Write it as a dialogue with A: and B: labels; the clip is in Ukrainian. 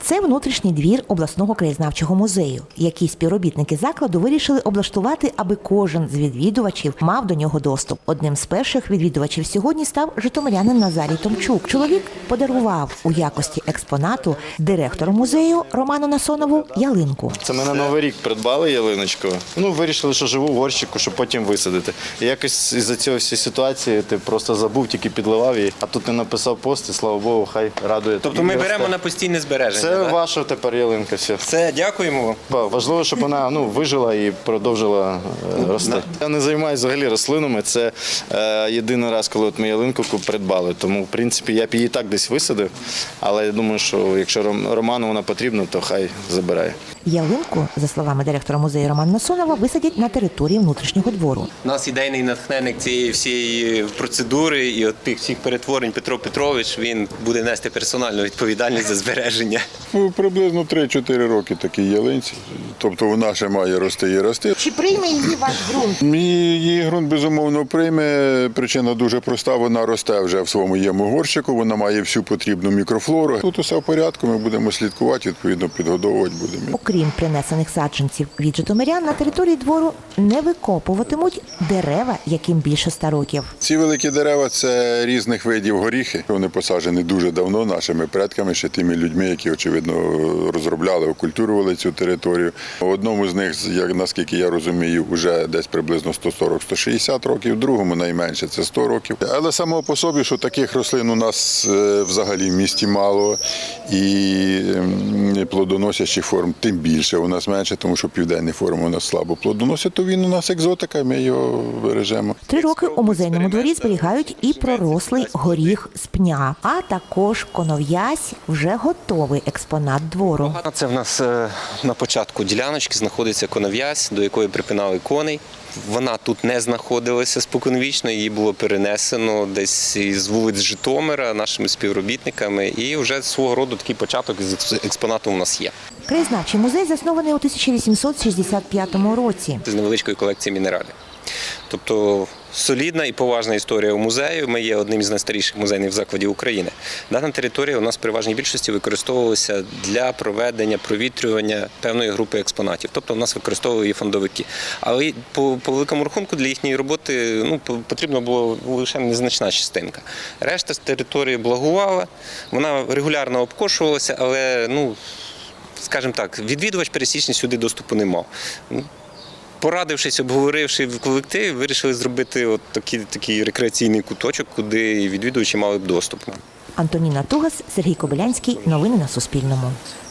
A: Це внутрішній двір обласного краєзнавчого музею, який співробітники закладу вирішили облаштувати, аби кожен з відвідувачів мав до нього доступ. Одним з перших відвідувачів сьогодні став житомирянин Назарій Томчук. Чоловік подарував у якості експонату директору музею Роману Насонову ялинку.
B: Це ми на Новий рік придбали ялиночку. Вирішили, що живу в горщику, щоб потім висадити. І якось із-за цієї всієї ситуації ти просто забув, тільки підливав її. А тут ти написав пост, і слава Богу, хай радує.
C: Тобто ми беремо на постійне збереження?
B: Це ваша тепер ялинка.
C: Все, дякуємо вам.
B: Важливо, щоб вона вижила і продовжила рости. Я не займаюся взагалі рослинами. Це єдиний раз, коли ми ялинку придбали. Тому, в принципі, я б її так десь висадив. Але я думаю, що якщо Роману вона потрібна, то хай забирає.
A: Ялинку, за словами директора музею Романа Насонова, висадять на території внутрішнього двору.
C: У нас ідейний натхненник цієї всієї процедури і от тих всіх перетворень Петро Петрович, він буде нести персональну відповідальність за збереження.
D: Приблизно 3-4 роки такій ялинці. Тобто вона ще має рости і рости.
A: Чи прийме її ваш ґрунт?
D: Її ґрунт, безумовно, прийме. Причина дуже проста, вона росте вже в своєму горщику, вона має всю потрібну мікрофлору. Тут усе в порядку, ми будемо слідкувати, відповідно підгодовувати будемо.
A: Окрім принесених саджанців від житомирян, на території двору не викопуватимуть дерева, яким більше 100 років.
D: Ці великі дерева – це різних видів горіхи. Вони посаджені дуже давно нашими предками, ще тими людьми, які, очевидно, розробляли, окультурували цю територію. Одному з них, наскільки я розумію, вже десь приблизно 140-160 років, другому найменше – це 100 років. Але само по собі, що таких рослин у нас взагалі в місті мало, і плодоносячих форм тим більше у нас менше, тому що південні форми у нас слабо плодоносять, то він у нас екзотика, ми його бережемо.
A: 3 роки у музейному дворі зберігають і пророслий горіх з пня, а також конов'язь – вже готовий експонат двору.
C: Це в нас на початку діляночки знаходиться конов'язь, до якої припинали коней. Вона тут не знаходилася споконвічно, її було перенесено десь із вулиць Житомира нашими співробітниками, і вже свого роду такий початок з експонату у нас є.
A: Краєзнавчий музей заснований у 1865 році.
C: З невеличкої колекції мінералів. Тобто солідна і поважна історія у музею. Ми є одним із найстаріших музейних закладів України. Дана територія у нас в переважній більшості використовувалася для проведення провітрювання певної групи експонатів. Тобто у нас використовували її фондовики. Але по великому рахунку для їхньої роботи потрібна була лише незначна частинка. Решта з території благувала, вона регулярно обкошувалася, але, скажімо так, відвідувач пересічний сюди доступу не мав. Порадившись, обговоривши в колективі, вирішили зробити такий рекреаційний куточок, куди відвідувачі мали б доступ.
A: Антоніна Тугас, Сергій Кобилянський. Новини на Суспільному.